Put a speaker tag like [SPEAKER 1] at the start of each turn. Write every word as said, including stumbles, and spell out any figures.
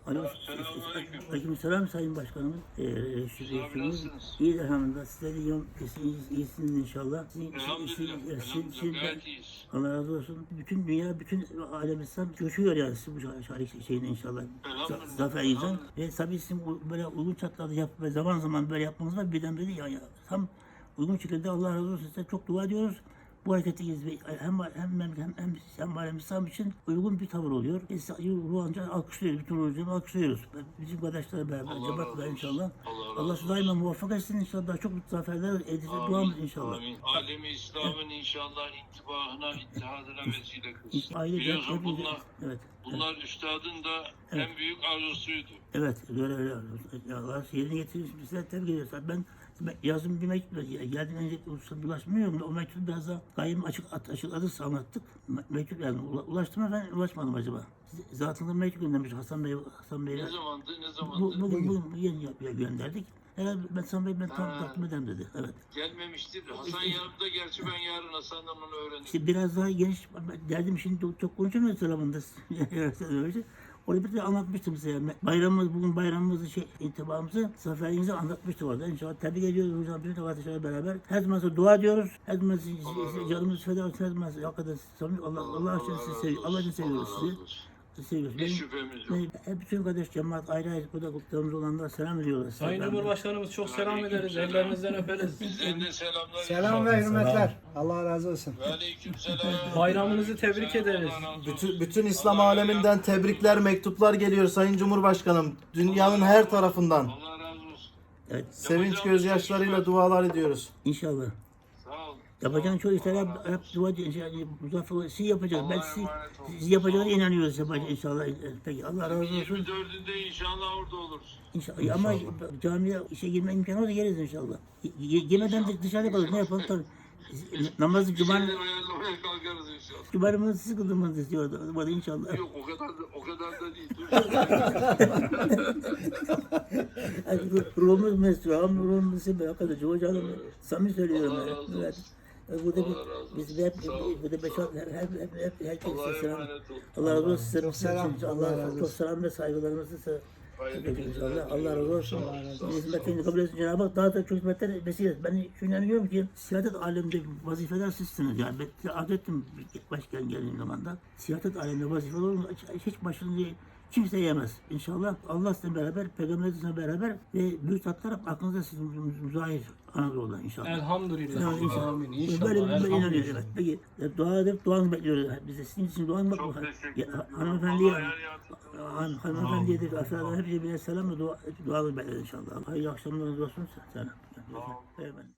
[SPEAKER 1] Selamünaleyküm.
[SPEAKER 2] Aleykümselam Sayın Başkanımız. Ee, Reşit
[SPEAKER 1] Siz abi nasılsınız?
[SPEAKER 2] İyi elhamdülillah. Sizler de iyi- iyisiniz, iyisiniz inşallah. Sizin,
[SPEAKER 1] Elhamdülillah.
[SPEAKER 2] sizin-
[SPEAKER 1] Elhamdülillah.
[SPEAKER 2] sizin- sizin-
[SPEAKER 1] Gayet iyiyiz.
[SPEAKER 2] Allah razı olsun. Bütün dünya, bütün alem İslam coşuyor yani siz bu şarkı şeyine inşallah.
[SPEAKER 1] Elhamdülillah.
[SPEAKER 2] Zaferinizden.
[SPEAKER 1] Elhamdülillah.
[SPEAKER 2] Ve tabii sizin bu böyle uygun şartlarda yap ve zaman zaman böyle yapmanız var. Birdenbire ya, ya, tam uygun şekilde Allah razı olsun. Size çok dua ediyoruz. Bu hareketi hem hem hem hem hem hem alem İslam için uygun bir tavır oluyor. Biz ruhanca alkışlıyoruz, bütün ruhanca alkışlıyoruz. Bizim kardeşlerle beraber,
[SPEAKER 1] Allah
[SPEAKER 2] cemaatler
[SPEAKER 1] razı olsun.
[SPEAKER 2] inşallah.
[SPEAKER 1] Allah razı
[SPEAKER 2] Allah sizi daima muvaffak etsin inşallah. Daha çok zaferler edilsin duamız inşallah.
[SPEAKER 1] Amin. Alemi İslam'ın inşallah intibahına, ittihadına vesile kılsın.
[SPEAKER 2] Aile
[SPEAKER 1] Biliyorsun
[SPEAKER 2] hepimiz-
[SPEAKER 1] bunlar,
[SPEAKER 2] evet.
[SPEAKER 1] bunlar üstadın da
[SPEAKER 2] Evet.
[SPEAKER 1] en büyük arzusuydu.
[SPEAKER 2] Evet, öyle öyle. Ya Allah yerine getirmiş. Bizler tebrik ediyoruz. Ben ben yazın bir mektup geldim önce ulaşmıyorum. O mektubu biraz daha gayim açık at, açıkladık, anlattık. Me- Mektup yani ula- ulaştım mı ben ulaşmadım acaba. Size- Zatında mektup göndermiş Hasan Bey, Hasan Bey'e.
[SPEAKER 1] Ne zamandı, ne
[SPEAKER 2] Bu,
[SPEAKER 1] zamandı?
[SPEAKER 2] bugün, bugün, bugün yeni yap- gönderdik. Herhalde ben Hasan Bey ben tam
[SPEAKER 1] Ha.
[SPEAKER 2] takdim ederim dedi. Evet.
[SPEAKER 1] Gelmemiştir. Hasan yanımda, gerçi ben yarın Hasan'dan onu öğrendim.
[SPEAKER 2] İşte biraz daha geniş, ben derdim şimdi çok konuşamıyoruz selamında. Orada bir de anlatmıştım size. Yani bayramımız, bugün bayramımızı, şey, intibamızı, zaferinizi anlatmıştım orada. İnşallah tebrik ediyoruz hocam, bütün kardeşlerle beraber. Her zaman size dua ediyoruz. Her zaman size canımızı feda ediyoruz. Her zaman size hakikaten samimi, Allah, Allah için sizi seviyoruz. Allah için seviyoruz sizi. Sizi seviyoruz.
[SPEAKER 1] Hiç
[SPEAKER 2] Benim,
[SPEAKER 1] şüphemiz yok.
[SPEAKER 2] benim, hep bütün kardeş cemaat ayrı ayrı burada kutlarımız olanlar selam ediyorlar.
[SPEAKER 3] Sayın
[SPEAKER 2] Ben-
[SPEAKER 3] Cumhurbaşkanımız çok selam ederiz. Ellerinizden öperiz.
[SPEAKER 1] Bizden de selamlar.
[SPEAKER 4] Selam ve hürmetler. Allah razı olsun.
[SPEAKER 1] Ve aleyküm selam.
[SPEAKER 3] Bayramınızı tebrik ederiz.
[SPEAKER 1] Allah razı olsun.
[SPEAKER 5] Bütün, bütün İslam aleminden tebrikler, mektuplar geliyor Sayın Cumhurbaşkanım. Dünyanın her tarafından.
[SPEAKER 1] Allah razı olsun.
[SPEAKER 2] Evet,
[SPEAKER 5] Sevinç gözyaşlarıyla dualar ediyoruz.
[SPEAKER 2] inşallah.
[SPEAKER 1] Sağ olun.
[SPEAKER 2] Yapacağın çoğu işler hep, hep dua ediyoruz. Yani muzaffer olun. Siz yapacağız. Ben
[SPEAKER 1] Allah'a
[SPEAKER 2] siz,
[SPEAKER 1] emanet olun.
[SPEAKER 2] siz yapacağınıza inanıyoruz yapacağız inşallah. Peki Allah razı olsun.
[SPEAKER 1] yirmi dördünde inşallah orada oluruz.
[SPEAKER 2] İnşallah. Ama camiye işe girme imkanı olsa geliriz inşallah. Y- Yemeden de dışarıda kalırız. Ne yapalım tabii. Namazı
[SPEAKER 1] Bir
[SPEAKER 2] cumarı,
[SPEAKER 1] şeyler ayarlamaya kalkarız inşallah.
[SPEAKER 2] cumarımızı siz kıldırmanızı istiyor. Hadi inşallah.
[SPEAKER 1] Yok o kadar da, o kadar da değil. Dur.
[SPEAKER 2] Yani ruhumuz mesut. Ama ruhumuz mesut. Hakikaten hocam samimi söylüyorum.
[SPEAKER 1] Allah
[SPEAKER 2] ben.
[SPEAKER 1] razı olsun.
[SPEAKER 2] Evet. Burada bir,
[SPEAKER 1] Allah razı olsun.
[SPEAKER 2] biz de hep,
[SPEAKER 1] Sağ olun.
[SPEAKER 2] burada beş altı, hep, hep, hep, herkese
[SPEAKER 1] Allah'a
[SPEAKER 2] selam.
[SPEAKER 1] emanet olun.
[SPEAKER 2] Allah razı olsun. Size
[SPEAKER 4] Çok selam.
[SPEAKER 2] Allah,
[SPEAKER 4] Allah razı
[SPEAKER 2] çok
[SPEAKER 4] olsun.
[SPEAKER 2] selam ve saygılarımızı size
[SPEAKER 1] Hayırlı
[SPEAKER 2] Peki
[SPEAKER 1] günler.
[SPEAKER 2] inşallah. Allah razı olsun.
[SPEAKER 1] Allah razı olsun.
[SPEAKER 2] Hizmetini kabul etsin Cenab-ı Hak. Daha da çok hizmetler vesile etsin. Ben şunu inanıyorum ki siyaset aleminde vazifeler sizsiniz. Yani ben size arz ettim başkan geldiğim zaman da. Siyaset aleminde vazifeler olur. Hiç, hiç başını kimse yemez. İnşallah Allah sizinle beraber, Peygamber sizinle beraber ve büyük tatlar aklınızda sizin müzahir Anadolu'da inşallah.
[SPEAKER 3] Elhamdülillah.
[SPEAKER 2] Yani inşallah.
[SPEAKER 3] Amin.
[SPEAKER 2] Böyle
[SPEAKER 3] İnşallah.
[SPEAKER 2] böyle inanıyoruz. Evet.
[SPEAKER 3] Elhamdülillah.
[SPEAKER 2] Peki e, dua edip duanızı bekliyoruz. Biz de sizin için duanızı
[SPEAKER 1] Çok
[SPEAKER 2] bakıyoruz.
[SPEAKER 1] teşekkür ederim.
[SPEAKER 2] Hanımefendiye,
[SPEAKER 1] Allah her yardımcınız
[SPEAKER 2] Han, hanımefendiye de aşağıdan hepsi birer selam ve dua, dualı bekler inşallah. Hayırlı akşamlarınız olsun. Selam.
[SPEAKER 1] Sağ olun.
[SPEAKER 2] Evet.